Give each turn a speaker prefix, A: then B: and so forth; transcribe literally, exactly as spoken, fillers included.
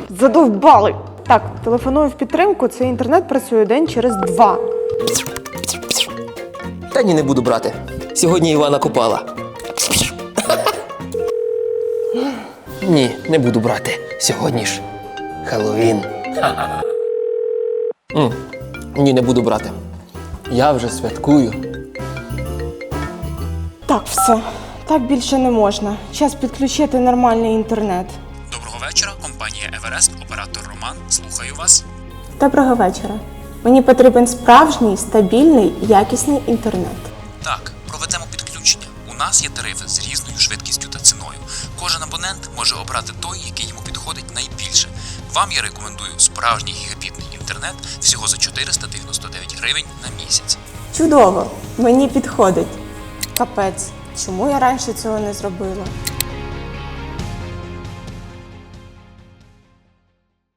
A: Задовбали! Так, телефоную в підтримку, цей інтернет працює день через два.
B: Та ні, не буду брати. Сьогодні Івана купала. Ні, не буду брати. Сьогодні ж Хеллоуін. М, Ні, не буду брати. Я вже святкую.
A: Так, все. Так більше не можна. Час підключити нормальний інтернет.
C: Доброго вечора, компанія Еверест, оператор Роман. Слухаю вас.
A: Доброго вечора. Мені потрібен справжній, стабільний, якісний інтернет.
C: Так, проведемо підключення. У нас є тарифи з різною швидкістю та ціною. Кожен абонент може обрати той, який йому підходить найбільше. Вам я рекомендую справжній гігабітний інтернет всього за чотириста дев'яносто дев'ять гривень на місяць.
A: Чудово! Мені підходить. Капець. Чому я раніше цього не зробила?